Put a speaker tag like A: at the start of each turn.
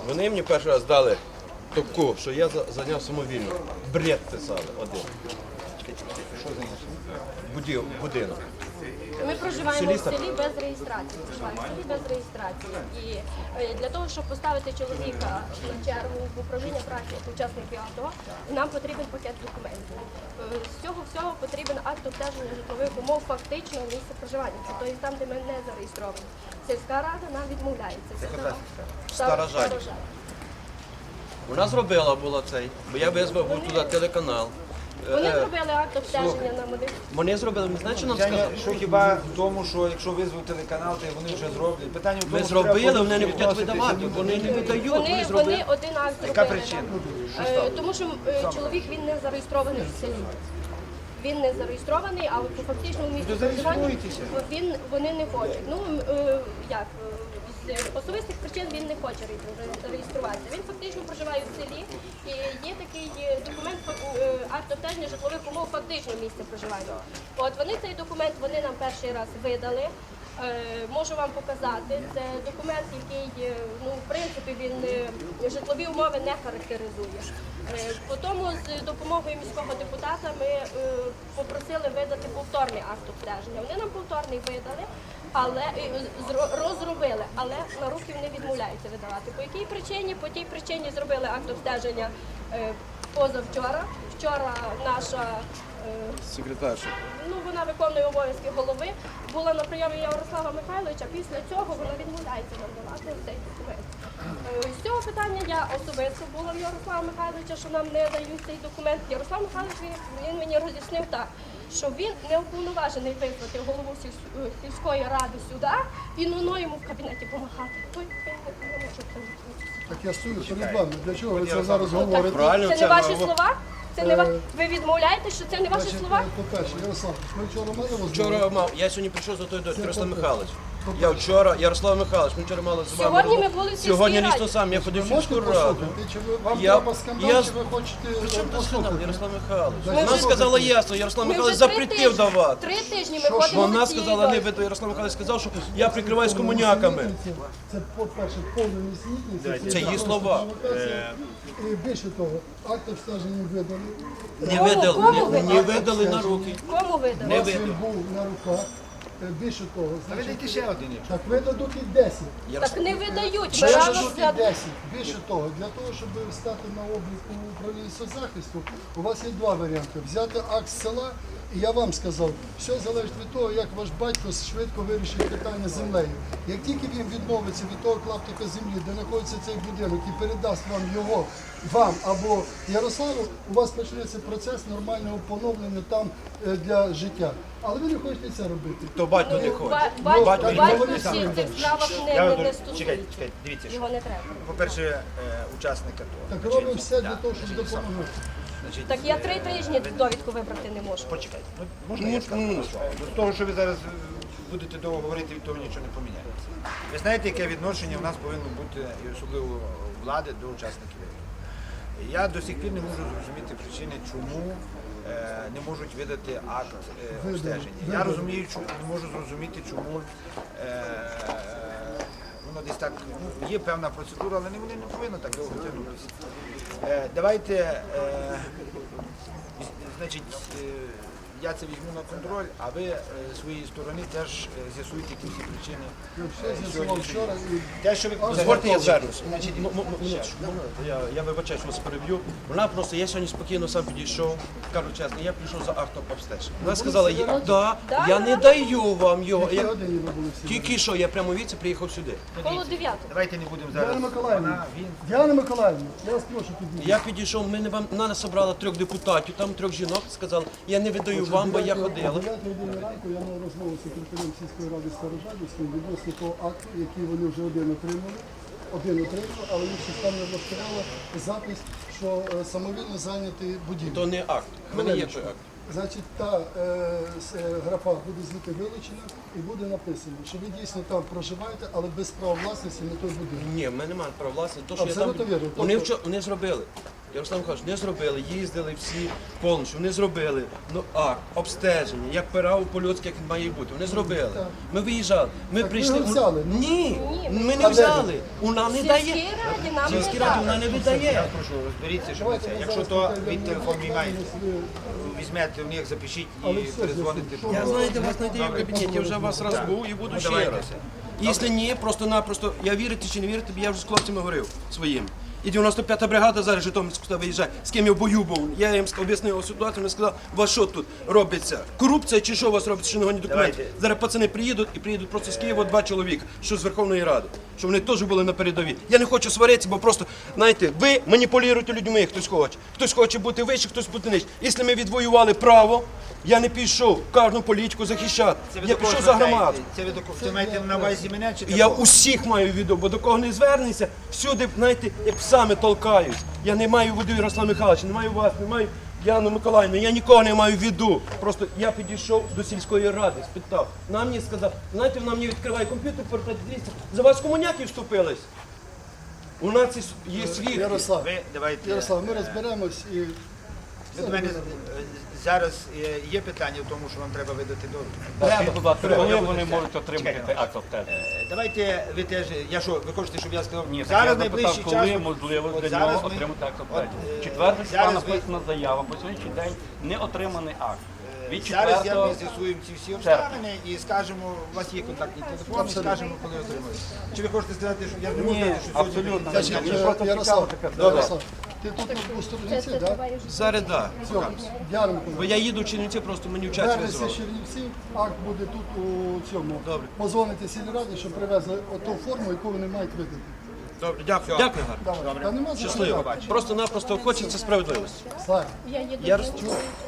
A: Вони мені перший раз дали таку, що я зайняв самовільно. Бред писали один. Будинок.
B: Ми проживаємо в селі без реєстрації. Проживаємо в селі без реєстрації. І для того, щоб поставити чоловіка на чергу в управління праці як учасники АТО, нам потрібен пакет документів. З цього всього потрібен акт обстеження житлових умов фактичного місця проживання. Це тобто там, де ми не зареєстровані. Сільська рада нам відмовляється.
A: Стара Жадіб. Вона зробила було цей, бо я визвав був туди телеканал.
B: Вони зробили акт обстеження на медичну.
A: Вони зробили, не знаєте, що нам сказали?
C: Що хіба в тому, що якщо визвав телеканал, то вони вже зроблять. Питання в тому,
A: Ми
C: що треба
A: зробили, вони не
C: відноситися
A: хочуть видавати, вони не видають, вони
B: Вони
A: зробили.
B: один акт зробили.
C: Яка причина?
B: Тому що чоловік він не зареєстрований в селі. Він не зареєстрований, а по фактичному місцю проживання вони не хочуть. Ну як з особистих причин він не хоче реєструватися. Він фактично проживає в селі і є такий документ акт обстеження житлових умов фактичного місця проживання. От вони цей документ нам перший раз видали. Можу вам показати. Це документ, який, в принципі, він житлові умови не характеризує. Потім з допомогою міського депутата ми попросили видати повторний акт обстеження. Вони нам повторний видали, але розробили, але на руки вони відмовляються видавати. По якій причині? По тій причині зробили акт обстеження позавчора. Вчора наша
A: Секретарша.
B: вона виконує обов'язки голови, була на прийомі Ярослава Михайловича, після цього вона відмовляється нам давати цей документ. З цього питання я особисто була в Ярослава Михайловича, що нам не дають цей документ. Ярослав Михайлович він мені роз'яснив так, що він не уповноважений визвати голову сільської ради сюди і йому в кабінеті помахати. Не може це.
D: Так я стою перед вами. Для чого ви це зараз говорите?
A: Правильно,
B: Це не ваші слова? Це не ви відмовляєте, що це не ваші
D: Значить,
B: слова?
D: по-перше, Ярослав, ми вчора мали розмову.
A: Вчора я сьогодні прийшов за той до Ярослав Михайлович. Я вчора, Ярослав Михайлович, ми вчора мали з вами.
B: Сьогодні ми були в сільській
A: Сьогодні
B: раді.
A: лічно сам, я ходив в
D: Ви можете
A: сільську раду.
D: послухати? Чи вам
A: Я-
D: треба скандал, чи ви хочете
A: При чому тут скандал,
D: послухати?
A: Ярослав Михайлович?
D: Ми
A: Вона
D: вже-
A: сказала ясно, Ярослав
B: Ми
A: Михайлович
B: вже 3
A: запретив
B: тижні-
A: давати.
B: 3 тижні ми ходимо.
A: Вона
B: в цій
A: сказала, не
B: дорозі.
A: видно, Ярослав Михайлович сказав, що я прикриваюсь комуняками.
D: Це, по-перше, повна несенітниця.
A: Це її слова.
D: І більше того, акт обстеження видали.
A: Не видали на руки.
B: Кому видали?
D: У вас він був на руках. Більше того, значить,
C: Видайте ще один.
D: так видадуть і 10.
B: Так не видають.
D: Ми
B: Ми рано
D: видадуть і
B: свят-
D: 10. Більше того, для того, щоб стати на облік у управлінні соцзахисту, у вас є два варіанти. Взяти акт з села, і я вам сказав, все залежить від того, як ваш батько швидко вирішить питання з землею. Як тільки він відмовиться від того клаптика землі, де знаходиться цей будинок, і передасть вам його, вам або Ярославу, у вас почнеться процес нормального поновлення там для життя. Але ви не хочете це робити.
A: То батько не хоче.
B: Батько
D: Батько
B: всі в цих справах не стосується.
C: Чекайте, дивіться.
B: Його не треба.
C: По-перше, учасник АТО.
D: Так робимо все для того, щоб допомогти.
C: Значить,
B: Так я 3 тижні довідку вибрати не можу.
C: почекайте. Можна я скажу? До того, що ви зараз будете довго говорити, від того нічого не поміняється. Ви знаєте, яке відношення в нас повинно бути, і особливо влади, до учасників АТО. Я до сих пір не можу зрозуміти причини, чому не можуть видати акт обстеження. Я розумію, не можу зрозуміти, чому воно десь так, є певна процедура, але вони не повинні так довго тягнутися. Давайте, значить, я це візьму на контроль, а ви зі своєї сторони теж з'ясуєте якісь причини.
D: Все з'ясував вчора і
C: Те, що ви
A: Дозвольте, я звернусь. Я вибачаю, що вас переб'ю. Вона просто, я сьогодні спокійно сам підійшов, кажу чесно, я прийшов за актом обстеження. Вона сказала, я не даю вам його.
D: які годині ви були всі.
A: Тільки що, я прямо віці приїхав сюди.
B: Коло 9.
C: Давайте не будемо
D: Діана
C: зараз.
D: Миколаївна, Діана Миколаївна, я вас прошу підійти.
A: Я підійшов, нас зібрали 3 депутатів, там 3 жінок, сказали, я не видаю вам, бо я ходила.
D: О 9 годині ранку я мав розмову з секретарем сільської ради Старожадівським відносно того акту, який вони вже один отримали, але їх системно влаштувала запис, що самовільно зайнятий будівлю.
A: То не акт. У мене є той акт.
D: Значить, та графа буде звідти вилучена і буде написано, що ви дійсно там проживаєте, але без права власності на той будинок.
A: Ні, в мене немає права власності. То, що я
D: Абсолютно
A: там...
D: вірно.
A: Вони зробили. Ярослав Михайлович, не зробили, їздили всі повністю, вони зробили. Ну, акт, обстеження, як пирав по-людськи, як він має бути. Вони зробили. Ми виїжджали, ми
D: Так
A: прийшли.
D: ви взяли?
A: Ні, ми
D: А
A: не
D: де
A: взяли. Вона не
B: Сільській
A: дає.
B: раді нам не
A: Сільській раді вона
B: дали.
A: не видає.
C: Прошу, розберіться, що
D: Давайте
C: це.
D: ми
C: Якщо
D: зараз
C: то
D: покажемо,
C: від телефон мій маєте,
D: ви-
C: візьмете в них, запишіть
D: Але
C: і
D: все
C: перезвоните.
D: з'ясуємо.
A: Я, знаєте, вас надію в кабінеті, я вже вас раз був і буду ще раз. Якщо ні, просто-напросто, я вірити чи не вірити, я вже з хлопцями говорив своїм. І 95-та бригада зараз Житомирська виїжджає, з ким я в бою був. Я їм об'яснив ситуацію, вони сказали, у вас що тут робиться? Корупція чи що у вас робиться, що не гоні документи?
C: Давайте.
A: Зараз пацани приїдуть і приїдуть просто з Києва 2 чоловіка, що з Верховної Ради, щоб вони теж були на передовій. Я не хочу сваритися, бо просто, знаєте, ви маніпулюєте людьми, хтось хоче. Хтось хоче бути вище, хтось бути нижче. Якщо ми відвоювали право, я не пішов кожну політику захищати. Я пішов за громаду.
C: Це ви це маєте на увазі мене чи
A: Я
C: такого?
A: усіх маю в виду, бо до кого не звернеться, всюди, знаєте, як псами толкають. Я не маю в виду Ярослава Михайловича, не маю вас, не маю Яну Миколаївну, я нікого не маю в виду. Просто я підійшов до сільської ради, спитав. Нам мені сказав, знаєте, вона мені відкриває комп'ютер, портрет, дивіться, за вас комуняки вступились. У нас є світ.
D: Ярослав,
C: Ви давайте.
D: Ярослав, ми розберемось і
C: Ви до мене зараз є питання в тому, що вам треба видати довідку.
E: Коли вони можуть отримати цей акт обстеження?
C: Давайте ви теж. Я що, ви хочете, щоб я сказав?
E: Ні, так
C: зараз
E: я
C: найближчий
E: запитав, коли
C: час.
E: можливо
C: от
E: для
C: зараз
E: нього
C: ми-
E: отримати акт
C: от,
E: обстеження. Четверте числа
C: зараз ви-
E: написана заява, по сьогоднішній день не отриманий акт. Від
C: Зараз я
E: 4
C: ми з'ясуємо ці всі обставини і скажемо, у вас є контактний телефон, і скажемо, коли отримаєте. Чи ви хочете сказати, що я не можу сказати, що сьогодні
E: абсолютно.
C: прийде?
E: Ні,
C: Значить,
E: просто
D: Ярослав,
E: цікаво таке.
D: Ярослав, ти тут у Сторожинці,
B: Це
D: так?
B: триває вже.
A: Зараз так.
D: Все, Діана
A: Бо
D: Миколаївна.
A: я їду в Чернівці, просто мені в час
D: Вернеться
A: визвали.
D: з Чернівців, акт буде тут у цьому.
A: Добре.
D: Позвоните сільраді, щоб привезли оту форму, яку вони мають видати.
A: Добре, дякую. Дякую, гарно.
D: Давай. Та нема за що.
A: Щасливо. Просто-напросто хочеться справедливості.
D: Слава.
B: Я їду
A: Я
B: до-
A: розчув.